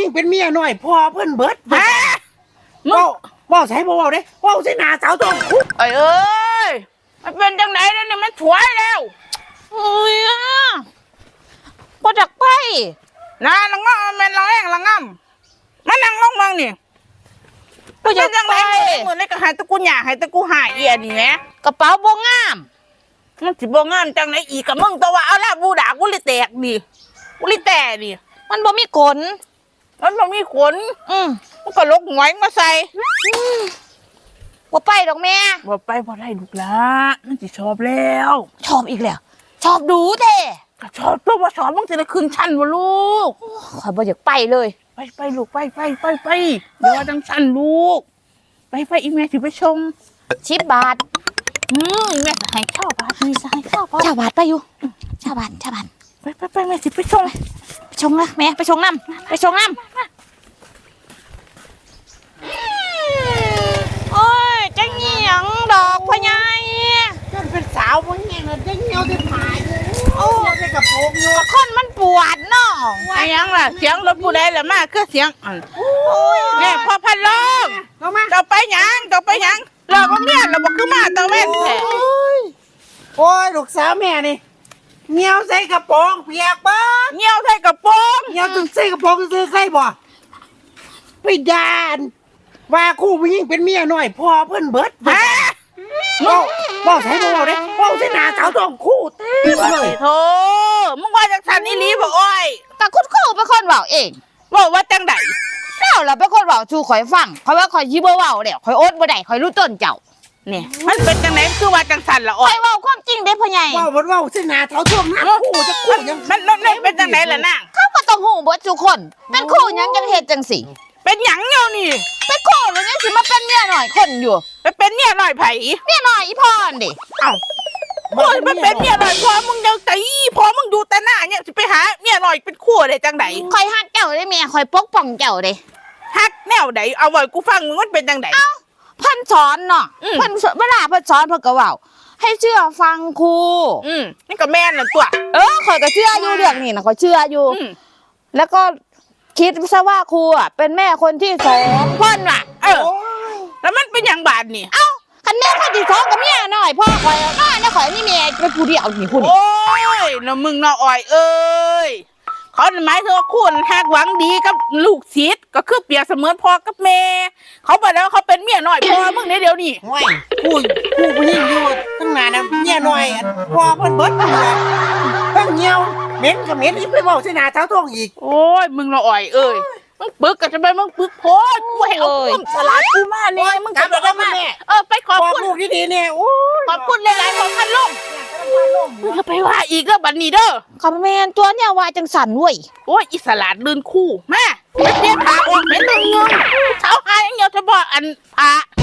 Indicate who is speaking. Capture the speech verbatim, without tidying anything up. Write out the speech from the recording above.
Speaker 1: ยิ่งเป็นเมียน้อยพ่อเพิ่นเบิดฮะมึงว่าใส่บ่ว่าเด้ว่าใส่หน้าสาวต้องคุก
Speaker 2: เอ้ยเอ้ยมันเป็นจังไหนแล้วนี่มันถวยแล้ว
Speaker 3: โอ้ยอ่ะบ่จักไป
Speaker 2: นะละงอแม่นละแองละงำมันนั่งลงเมืองนี่บ่จักจังไหนมื้อนี้ก็หายตะกูหย่าหายตะกูหายเอียนี่แหม
Speaker 3: กระเป๋าบ่งาม
Speaker 2: มันสิบ่งามจังไหนอีกกับมึงตัวว่าเอาละบูดากูเลยแตกดิกูเลยแตกดิ
Speaker 3: มันบ่มีขน
Speaker 2: มันบ่มีขน
Speaker 3: อืม
Speaker 2: มันก็ลกหงอยมาใส่
Speaker 3: บ่ไปดอกแม่
Speaker 2: บ่ไปบ่ได้ลูกละมันสิชอบแล้ว
Speaker 3: ชอบอีกแล้วชอบดูเด้
Speaker 2: ก็ชอบตัวว่าชอบมึงจะได้ขึ้นชั้นบ่ลูก
Speaker 3: ข่อยบ่อยากไปเลย
Speaker 2: ไปไปลูกไปไปไปไปเดี๋ยวจังชั้นลูกไปไปอีแม่สิไปชม
Speaker 3: สิบบาท
Speaker 2: อืมแม่จะให้ข้าวบาทมีจะให้ข้าวบาท
Speaker 3: ชาวบาทไปอยู่ชาวบาทชาวบาท
Speaker 2: ไปไปไปแม่สิไปชง
Speaker 3: ไปชงนะแม่ไปชงน้ำไปชงน้ำโอ้ยจังเหียงดอกพ่อใหญ่
Speaker 1: จนเป็นสาวบ่แห้งแล้วได้เหี่ยวได้ผายโอ้ได้กระโปรงอยู่
Speaker 3: คนมันปวดเนาะ
Speaker 2: ไอ้ยังล่ะเสียงรถผู้ใดล่ะมาคือเสียงแม่พ่อพันลมเราไปยังเราไปยังเราก็เมียเราบอกคือมาตะเวนแท้
Speaker 1: โอ้ยลูกสาวแม่นี่เหี่ยวใส่กระโปรงเปียกบ้า
Speaker 2: เหี่ยวใส่กระโปรง
Speaker 1: เหี่ยวจนใส่กระโปรงซื้อใส่บ่ไปด่านว่าคู่ผู้หญิงเป็นเมียน้อยพ่อเพิ่นเบิดฮะว่าว่าใส่บ่ว่าเด้ว่าใส่หน้าสาวต้องคู่เต็มเลย
Speaker 2: โธ่มึงว่าจังซั่นอีหลีบ่อ้อย
Speaker 3: ก็คุณครูเป็นคนเว้าเอง
Speaker 2: ว่าว่าจังได๋
Speaker 3: แล้วล่ะเป็นคนเว้าสู่ข่อยฟังข่อยว่าข่อยสิบ่เว้าแล้วข่อยอดบ่ได้ข่อยรู้ต้นเจ้า
Speaker 2: นี่มันเป็นจังไหนคือว่าจังซั่นล่ะอ้อย
Speaker 3: ข่อยเว้าความจริงเด้พ่อใหญ่
Speaker 1: ว่าบ่ว่าใส่หน้าสาวต้องหน้าคู่จะคู่ยัง
Speaker 2: มันมันเป็นจังไหนล่ะนาง
Speaker 3: เขาก็ต้องฮู้เบิดทุกคนเป็นครูหยังจังเฮ็ดจังซี่
Speaker 2: เป็นหยังเดี๋ยวนี้
Speaker 3: เป็นครูแล้วยังสิมาเป็นเมียน้อยคนอยู่
Speaker 2: ไปเป็นเมียน้อยไผ
Speaker 3: เมียน้อยอีพรดิ
Speaker 2: เอ้าโอ้ยมันเป็นเมียน้อยพอมึงยังตีพอมึงดูแต่หน้าเนี่ยสิไปหาเมียน้อยเป็นคู่ได้จังได๋
Speaker 3: ข่อยฮักเจ้าได้แม่ข่อยปกป้องเจ้าเด้
Speaker 2: ฮักแนวใดเอาไว้กูฟังมึงมันเป็นจังได๋
Speaker 3: เอ้าเพิ่นสอนเนาะเพิ่นเวลาเพิ่นสอนเพิ่นก็เว้าให้เชื่อฟังครู
Speaker 2: อืมนี่ก็แม่นน่ะตัว
Speaker 3: เออข่อยก็เชื่ออยู่เรื่องนี้น่ะข่อยเชื่ออยู่แล้วก็คิดซะว่าครูอ่ะเป็นแม่คนที่สองเพิ่นว่ะ
Speaker 2: เออแล้วมันเป็นหยังบาดนี่
Speaker 3: เอ้าคันแม่คนที่สองกับเมียน้อยพ่อข่อยน้อยนะข่อยนี่แม่เป็นผู้เดียวนี่ผู้นี่
Speaker 2: โอ้ยน่ะมึงน่ะอ้อยเอ้ยเขาหมายถึงว่าคุณฮักหวังดีกับลูกศิษย์ก็คือเปรียบเสมือนพ่อกับแม่เขาบอกแล้วเขาเป็นเมียน้อยพ่อมึงในเดี๋ยวนี้
Speaker 1: โอ้ยคู่คู่ผู้หญิงอยู่ตั้งนานนะเมียน้อยพ่อเพิ่นเบิดเลยเพิ่นเหี่ยวเหม็นก็เหม็นอีกไปเว้าใส่หน้าสาวต้องอีก
Speaker 2: โอ้ยมึงน่ะอ้อยเอ้ยมึงปึกก็จะไปมึงปึกโพดกูให้เอาความสลัดกูมาเนี่ยมึงกลับมาแม่เออไปขอบคุณ
Speaker 1: ลูกดีๆเนี่ยโอ้ย
Speaker 2: ขอบคุณหลายๆของพันลมมึงจะไปว่าอีกแล้วบัดนี้เด้อ
Speaker 3: ขอบแม่นตัวเนี่ยว่าจังสั่นเว้ย
Speaker 2: โอ้ยอิสระลื่นคู่มาไปเปลี่ยนผ้าออกเป็นเงินเช้าหายอย่างเดียวจะบอกอันผ้า